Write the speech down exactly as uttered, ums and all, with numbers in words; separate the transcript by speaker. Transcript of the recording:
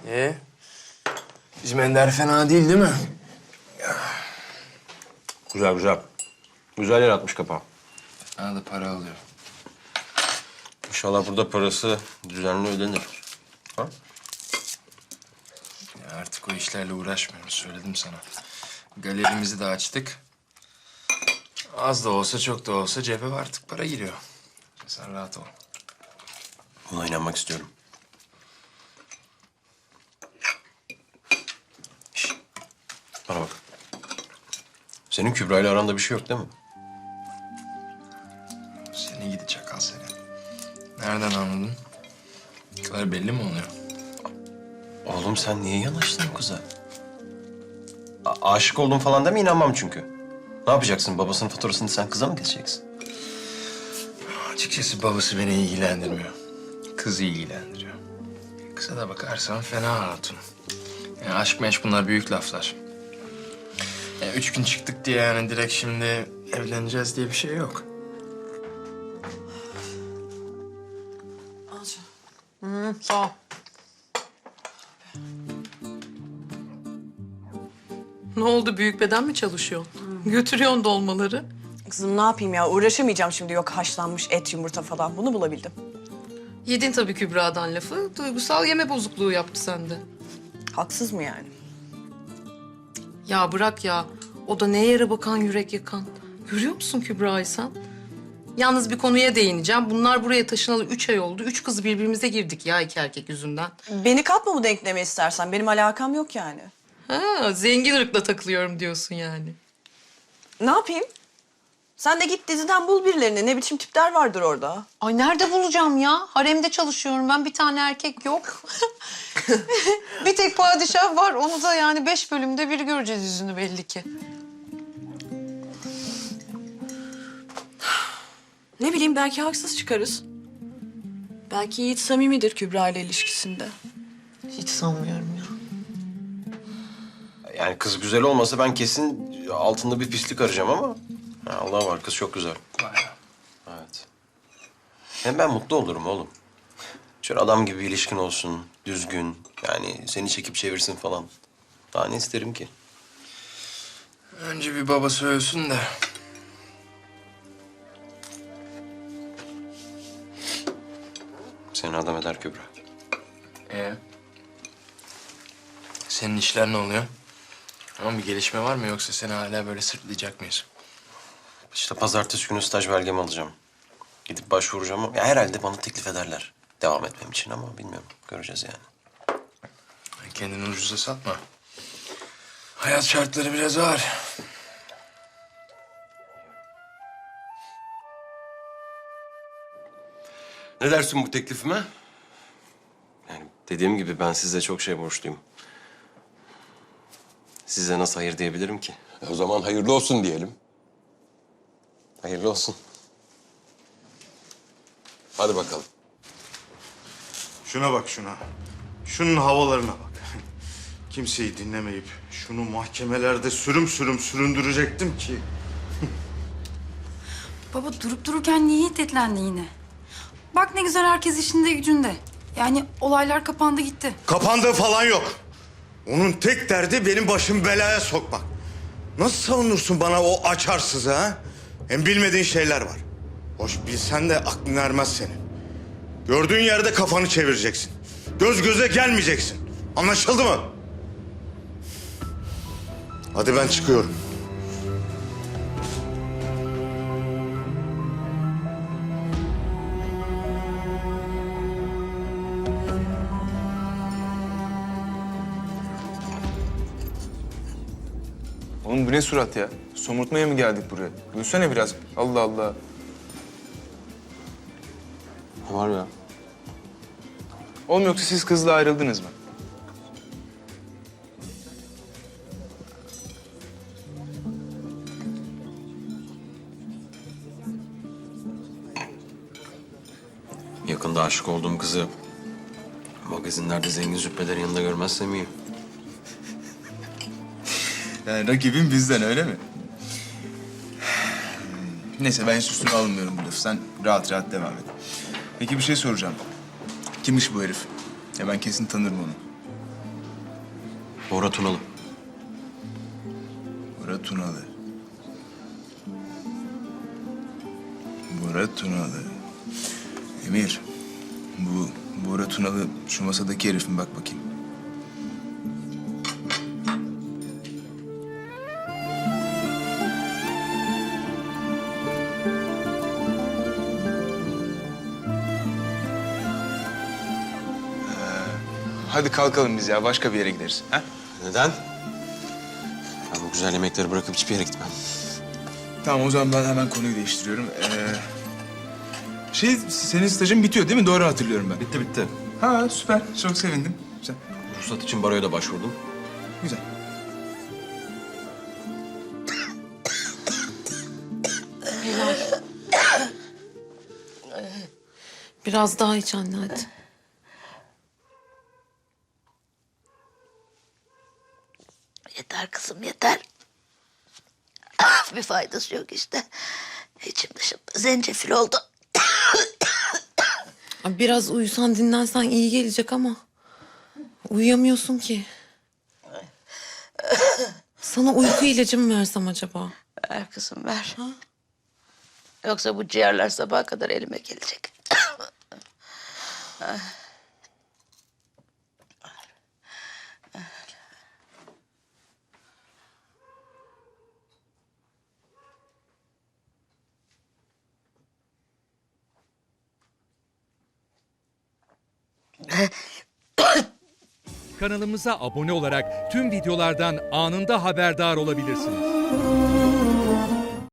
Speaker 1: Ee, bizim Ender fena değil değil mi?
Speaker 2: Güzel güzel. Güzel yer atmış kapağı.
Speaker 1: Bana da para alıyor.
Speaker 2: İnşallah burada parası düzenli ödenir. Ha?
Speaker 1: Ya artık o işlerle uğraşmıyoruz, söyledim sana. Galerimizi de açtık. Az da olsa çok da olsa cebe artık para giriyor. Sen rahat ol.
Speaker 2: Buna inanmak istiyorum. Şişt. Bana bak. Senin Kübra ile aranda bir şey yok değil mi?
Speaker 1: Seni gidi çakal seni. Nereden anladın? Bu kadar belli mi oluyor?
Speaker 2: Oğlum sen niye yanaştın o kıza? A- aşık oldun falan deme, inanmam çünkü. Ne yapacaksın? Babasının faturasını sen kıza mı keseceksin?
Speaker 1: Açıkçası babası beni ilgilendirmiyor. Kızı ilgilendiriyor. Kıza da bakarsan fena hatun. Yani aşk meşk bunlar büyük laflar. Yani üç gün çıktık diye yani direkt şimdi evleneceğiz diye bir şey yok.
Speaker 3: Hı, sağ ol. Ne oldu? Büyük beden mi çalışıyorsun? Götürüyorsun dolmaları.
Speaker 4: Kızım ne yapayım ya? Uğraşamayacağım şimdi. Yok haşlanmış et, yumurta falan. Bunu bulabildim.
Speaker 3: Yedin tabii Kübra'dan lafı. Duygusal yeme bozukluğu yaptı sende.
Speaker 4: Haksız mı yani?
Speaker 3: Ya bırak ya. O da ne yere bakan yürek yakan. Görüyor musun Kübra'yı sen? Yalnız bir konuya değineceğim. Bunlar buraya taşınalı üç ay oldu. Üç kız birbirimize girdik ya iki erkek yüzünden.
Speaker 4: Beni katma bu denkleme istersen. Benim alakam yok yani.
Speaker 3: Ha, zengin ırkla takılıyorum diyorsun yani.
Speaker 4: Ne yapayım? Sen de git diziden bul birilerini. Ne biçim tipler vardır orada.
Speaker 3: Ay nerede bulacağım ya? Haremde çalışıyorum ben. Bir tane erkek yok. Bir tek padişah var. Onu da yani beş bölümde bir göreceğiz yüzünü belli ki.
Speaker 4: Ne bileyim belki haksız çıkarız. Belki Yiğit samimidir Kübra ile ilişkisinde.
Speaker 3: Hiç sanmıyorum ya.
Speaker 2: Yani kız güzel olmasa ben kesin altında bir pislik arayacağım ama... Ha, Allah var, kız çok güzel. Evet. Hem ben mutlu olurum oğlum. Şöyle adam gibi bir ilişkin olsun, düzgün. Yani seni çekip çevirsin falan. Daha ne isterim ki?
Speaker 1: Önce bir babası ölsün de.
Speaker 2: Seni adam eder Kübra.
Speaker 1: Ee? Senin işler ne oluyor? Ama bir gelişme var mı yoksa seni hala böyle sırtlayacak mıyız?
Speaker 2: İşte pazartesi günü staj belgemi alacağım. Gidip başvuracağım ama ya herhalde bana teklif ederler. Devam etmem için ama bilmiyorum. Göreceğiz yani.
Speaker 1: Kendini ucuza satma. Hayat şartları biraz ağır.
Speaker 2: Ne dersin bu teklifime? Yani dediğim gibi ben size çok şey borçluyum. Size nasıl hayır diyebilirim ki?
Speaker 5: E, O zaman hayırlı olsun diyelim.
Speaker 2: Hayırlı olsun.
Speaker 5: Hadi bakalım.
Speaker 6: Şuna bak şuna. Şunun havalarına bak. Kimseyi dinlemeyip şunu mahkemelerde sürüm sürüm süründürecektim ki.
Speaker 7: Baba durup dururken niye hiddetlendi yine? Bak ne güzel herkes işinde gücünde. Yani olaylar kapandı gitti.
Speaker 6: Kapandığı falan yok. Onun tek derdi benim başımı belaya sokmak. Nasıl savunursun bana o açarsızı ha? Hem bilmediğin şeyler var. Hoş bilsen de aklın ermez senin. Gördüğün yerde kafanı çevireceksin. Göz göze gelmeyeceksin. Anlaşıldı mı? Hadi ben çıkıyorum.
Speaker 8: Oğlum bu ne surat ya? Somurtmaya mı geldik buraya? Gülsene biraz. Allah Allah.
Speaker 2: Ne var ya?
Speaker 8: Oğlum yoksa siz kızla ayrıldınız mı?
Speaker 2: Yakında aşık olduğum kızı magazinlerde zengin züppelerin yanında görmezsem iyi.
Speaker 8: Yani rakibin bizden öyle mi? Neyse ben hiç üstüne alınmıyorum bu lafı. Sen rahat rahat devam et. Peki bir şey soracağım. Kimmiş bu herif? Ya ben kesin tanırım onu.
Speaker 2: Bora Tunalı.
Speaker 8: Bora Tunalı. Bora Tunalı. Emir, bu Bora Tunalı şu masadaki herif mi? Bak bakayım. Hadi kalkalım biz ya. Başka bir yere gideriz. Ha?
Speaker 2: Neden? Ben bu güzel yemekleri bırakıp hiçbir yere gitmem.
Speaker 8: Tamam, o zaman ben hemen konuyu değiştiriyorum. Ee, şey, senin stajın bitiyor değil mi? Doğru hatırlıyorum ben.
Speaker 2: Bitti bitti.
Speaker 8: Ha, süper. Çok sevindim. Güzel.
Speaker 2: Ruhsat için baroya da başvurdum.
Speaker 8: Güzel.
Speaker 3: Biraz daha iç anne hadi.
Speaker 9: Yeter kızım yeter. Bir faydası yok işte. İçim dışım zencefil oldu.
Speaker 3: Abi biraz uyusan dinlensen iyi gelecek ama uyuyamıyorsun ki. Sana uyku ilacı mı versem acaba?
Speaker 9: Ver kızım ver. Yoksa bu ciğerler sabaha kadar elime gelecek.
Speaker 10: Kanalımıza abone olarak tüm videolardan anında haberdar olabilirsiniz.